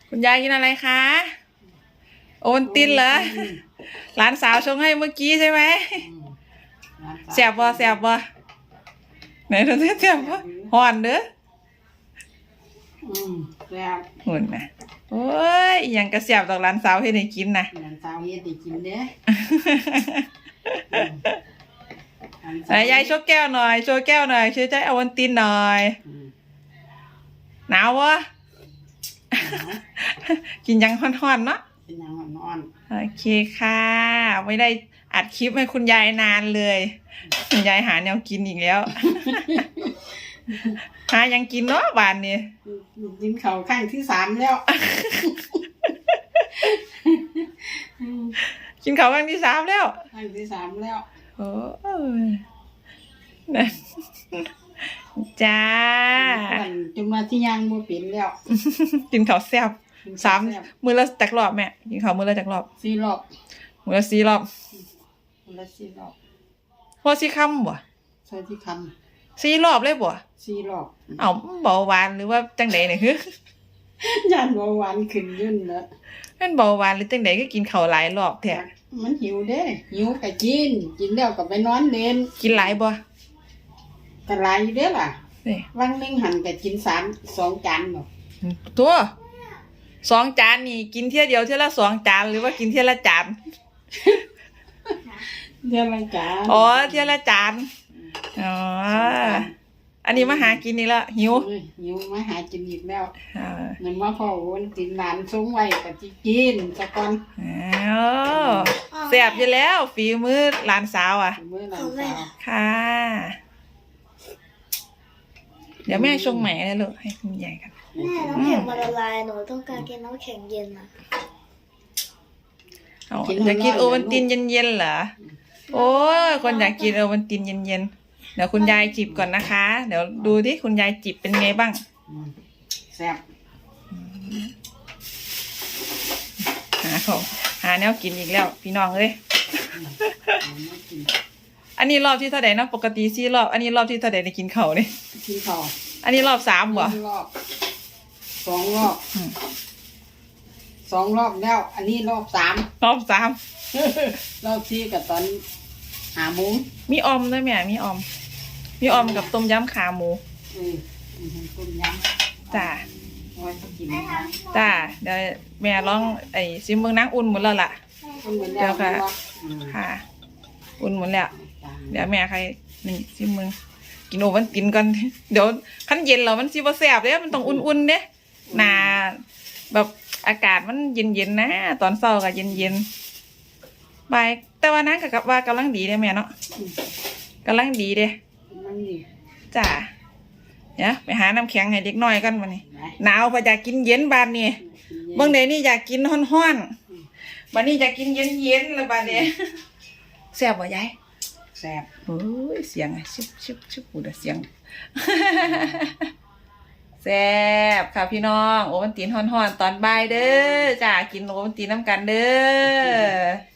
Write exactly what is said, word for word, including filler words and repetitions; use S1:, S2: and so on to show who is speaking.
S1: คุณยายกินอะไรคะโอนตินเหรอหลานสาวชงให้เมื่อกี้ใช่ไหมแซ่บบ่แซ่บบ่ไหนดูสิแซ่บบ่ฮ้อนเด้อ
S2: อืมแซ่บ
S1: หุ่นนะโอ้ยยังกระแซ่บดอกหลานสาวให้ได้กินนะ
S2: หลานสาวเฮ็ดได้กินเด้
S1: ไหนยายโชว์แก้วหน่อยโชว์แก้วหน่อยช่วยใจเอาวันตินหน่อยหนาววะกินยังฮ้อนๆเนาะ
S2: กินยังฮ้อน
S1: โอเคค่ะไม่ได้อัดคลิปให้คุณยายนานเลยคุณยายหาแนวกินอีกแล้วหายังกินเนาะบานนี้
S2: กินข้าวข้างที่สามแล้ว
S1: กินข้าวครั้งที่สามแล้ว
S2: ข้างที่สามแล้ว
S1: โอ้ยนะจ้า
S2: จนมาที่ยังบ่เป็นแล้ว
S1: กินข้าวแซ่บสามมือละจักรอบแม่กินข้าวมือละจักรอบ
S2: สี่รอบ
S1: มือละสี่รอบ
S2: มือละสี่รอบ
S1: พอสี่คำบ่
S2: ใช่ที่ค
S1: ำสี่รอบเลยบ่
S2: สี่รอบ
S1: เอาเบาหวานหรือว่าจังไดเนี่ยฮึ
S2: ยันเบาหวานขึ้นยุ่นเนอะ
S1: เป็นเบาหวานหรือจังไดก็กินข้าวหลายรอบแท้
S2: มันหิวเด้หิวก็กินกินแล้วก็ไปนอนเล่น
S1: กินหลายบ่
S2: ก็หลายอยู่เด้ล่ะวันนึงหันก็กินสามสองจานบ่
S1: ตัวสองจานนี่กินเที่ยเดียวเที่ยละสองจานหรือว่ากินเที่ยละจาน
S2: เที่ยละจาน
S1: อ๋อเที่ยละจานอ๋ออันนี้มาหากินนี่ละหิว
S2: หิวมาหากินอีกแล้วนั่นว่าพ่อวันกินหลานส่งไว้ก็สิกินซะก่อน
S1: อ๋อแซ่บอยู่แล้วฝีมือหลานสาวอ่ะ
S2: มือหลานสาว
S1: ค่ะเดี๋ยวแม่ชงใหม่เลยลูกให้คุณยายกัน
S3: แม่น้ำแข็งมันละลายหนูต้องการกินน้ำแข็งเย็นนะ
S1: อยากกินโอวัลตินเย็นๆเหรอโอ้ยคนอยากกินโอวัลตินเย็นๆเดี๋ยวคุณยายจิบก่อนนะคะเดี๋ยวดูที่คุณยายจิบเป็นไงบ้าง
S2: แซ่บ
S1: หาของหาแนวกินอีกแล้วพี่น้องเอ้ยอันนี้รอบที่เท่าไหร่นะปกติสี่รอบอันนี้รอบที่เท่าไหร่ในกินเข่าเนี่ย
S2: กินเข่า
S1: อันนี้รอบสามเหรอ
S2: รอบสองรอบสองรอบแล้วอันนี้รอบสาม
S1: รอบสาม
S2: รอบที่กับตอนหาหมู
S1: มีออมด้วยแม่มีออมมีออมกับต้มยำขาหมู
S2: อืมต้มย
S1: ำจ้าจ้าเดี๋ยวแม่ลองไอ้ซิมเมืองนังอุ่นหมดแล้วล่ะเดี๋ยวค่ะค่ะอุ่นหมดแล้วเดี๋ยวแม่ใครนี่ซิมเมืองกินโอวันตินก่อนเดี๋ยวขั้นเย็นแล้วมันซิบะแสบเลยมันต้องอุ่นๆเด้หนาแบบอากาศมันเย็นๆนะตอนเช้าก็เย็นๆบ่ายแต่ว่านั้นกับว่ากำลังดีเด้แม่เนาะกำลังดีเด้จ้าเดี๋ยวไปหาน้ำแข็งให้เด็กน้อยกันวันนี้หนาวพออยากกินเย็นบานนี้บางเดนี่อยากกินห้อนๆบานนี้อยากกินเย็นๆแล้วบานนี้แซ่บบ่ยาย
S2: แซ่บ
S1: โอ้ยเสียงชิบชิบชิบหูเสียงแซ่บค่ะพี่น้องโอวัลตินฮ้อนๆตอนบ่ายเด้อจ้ากินโอวัลตินน้ำกันเด้อ